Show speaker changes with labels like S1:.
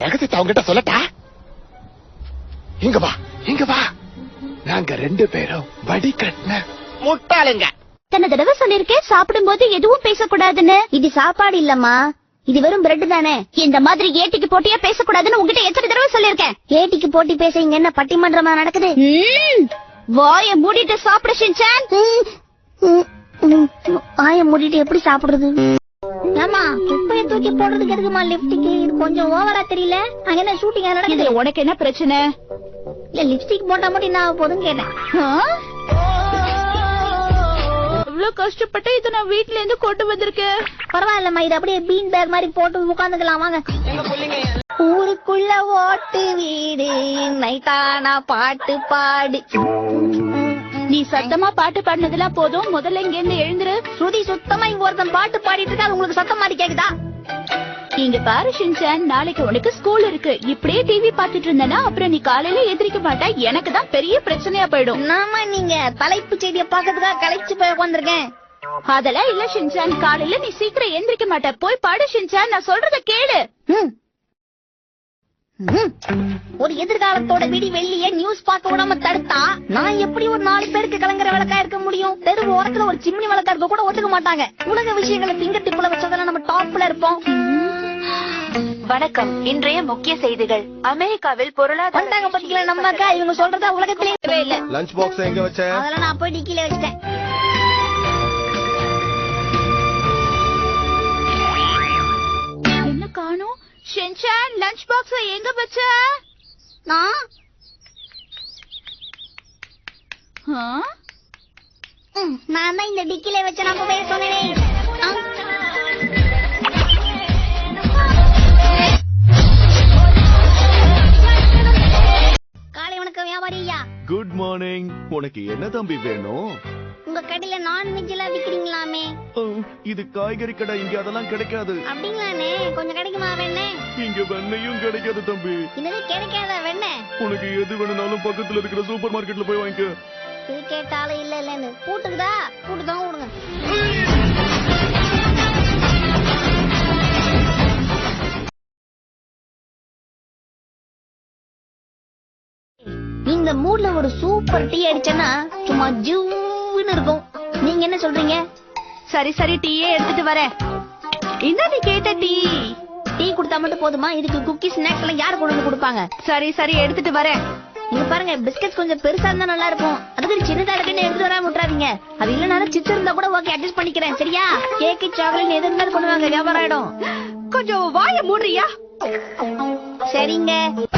S1: ரகசியத்தை அவங்கிட்ட சொல்லட்டா? இங்க வா, இங்க வா. நாங்க 2 பேரும் வடிகட்டின முட்டாளுங்க.
S2: தன்னை தடவை சொல்லிருக்கேன் சாப்பிடும் போது எதுவும் பேசக்கூடாதுன்னு. இது சாப்பாடு இல்லம்மா, இது வெறும் பிரெட் தானே. இந்த மாதிரி ஏட்டிக்கு போட்டியா பேசக்கூடாதுன்னு உங்ககிட்ட எத்தனை தடவை சொல்லிருக்கேன். ஏட்டிக்கு போட்டி பேச இங்க என்ன பட்டிமன்றமா நடக்குது? வாய மூடிட்டு சாப்பிட ஷின்சான். வாய மூடிட்டு எப்படி சாப்பிடுறது? ஆமா, குப்பைய தூக்கி போடுறதுக்கு எதுக்குமா லிப்ஸ்டிக்? இது கொஞ்சம் ஓவரா தெரியல. அங்க என்ன ஷூட்டிங் நடக்குது?
S3: உனக்கு என்ன பிரச்சனை?
S2: இல்ல லிப்ஸ்டிக் போட்டா மட்டும் என்ன ஆக போதுன்னு கேட்டேன்.
S3: இவ்வளவு கஷ்டப்பட்டு இதை நான் வீட்டுல இருந்து கொண்டு வந்திருக்கேன்.
S2: பரவாயில்லம்மா, இது அப்படியே பீன் பேக் மாதிரி போட்டு உட்காந்துக்கலாம் வாங்க. ஊருக்குள்ள ஓட்டு வீடு நைட்டானா பாட்டு பாடு.
S3: நீ சத்தமா பாட்டு பாடினதெல்லாம் போதும், முதல்ல இங்க இருந்து எழுந்துரு.
S2: ஸ்ருதி சுத்தமா இங்க ஒருத்தன் பாட்டு பாடிட்டு இருக்கா, உங்களுக்கு சத்தம் மாதிரி கேக்குதா?
S3: இங்க பாரு ஷின்சான், நாளைக்கு உனக்கு ஸ்கூல் இருக்கு. இப்படியே டிவி பாத்துட்டு இருந்தனா அப்புறம் நீ காலையில எந்திரிக்க மாட்டா. எனக்கு தான் பெரிய பிரச்சனையா போயிடும்.
S2: நாம நீங்க தலைப்பு செய்தியை பாக்கிறதுக்காக கலைச்சு போய் உட்காந்துருக்கேன்.
S3: அதெல்லாம் இல்ல ஷின்சான், காலையில நீ சீக்கிரம் எந்திரிக்க மாட்ட. போய் பாடு ஷின்சான், நான் சொல்றத கேளு.
S2: ஒரு எதிர்காலத்தோட விடி வெள்ளிய நியூஸ் பார்க்க விடாம தடுத்தா நான் எப்படி ஒரு 4 பேருக்கு கலங்குற விளக்கா இருக்க முடியும்? தெரு ஓரத்துல ஒரு சிம்னி விளக்கா இருக்க கூட ஒத்துக்க மாட்டாங்க. உலக விஷயங்களை பிங்கர் டிப்ல வச்சதால நம்ம டாப்ல இருப்போம்.
S4: வணக்கம். இன்றைய முக்கிய செய்திகள். அமெரிக்காவில் பொருளாதார
S2: பத்திக்கல நம்ம அக்கா இவங்க சொல்றதா உலகத்திலே இல்ல.
S1: லஞ்ச் பாக்ஸ் எங்க வச்ச?
S2: அதெல்லாம் நான் போய் டிக்கில வச்சிட்டேன்.
S3: என்ன காணோம்? ஷின்சான், லஞ்ச் பாக்ஸ் எங்க வச்ச?
S2: நான் தான் இந்த டிக்கில வச்ச. நான் போய் சொன்னேன். காலை வணக்கம் வியாபாரியா.
S5: Good morning. உனக்கு என்ன தம்பி வேணும்?
S2: உங்க கடையில நான்வெஜ் எல்லாம் விக்கிறீங்களாமே?
S5: இது காய்கறி கடை, இங்க அதெல்லாம் கிடைக்காது.
S2: அப்படிங்களானே, கொஞ்சம் கிடைக்குமா வெண்ணே?
S5: இங்க வெண்ணையும் கிடைக்காது தம்பி.
S2: இன்னது கிடைக்காத வெண்ணே?
S5: உனக்கு எது வேணும்னாலும் பக்கத்துல இருக்கிற சூப்பர் மார்க்கெட்ல போய் வாங்கிக்க.
S2: இது கேட்டாலும் இல்ல இல்லன்னு கூட்டுக்குதா? கூட்டுதான் விடுங்க. இந்த மூட்ல ஒரு சூப்பர் டீ அடிச்சேன்னா சும்மா ஜூன்னு இருக்கும். நீங்க என்ன சொல்றீங்க?
S3: சரி சரி, டீயே எடுத்துட்டு வரேன். என்ன நீ கேட்ட டீ?
S2: டீ குடுத்தா மட்டும் போதுமா? இதுக்கு குக்கி ஸ்நாக்ஸ் எல்லாம் யாரு கொண்டு வந்து கொடுப்பாங்க?
S3: சரி சரி, எடுத்துட்டு வரேன்.
S2: இங்க பாருங்க, பிஸ்கட் கொஞ்சம் பெருசா இருந்தா நல்லா இருக்கும். அதுக்கு சின்னதா இருக்குன்னு எடுத்துட்டு வராம விட்டுறாதீங்க. அது இல்லனாலும் சிப்ஸ் இருந்தா கூட ஓகே, அட்ஜஸ்ட் பண்ணிக்கிறேன். சரியா? கேக்கு சாக்லேட் எது இருந்தாலும் கொண்டு வாங்க, வியாபாரம் ஆயிடும்.
S3: கொஞ்சம் வாய மூடுறியா?
S2: சரிங்க.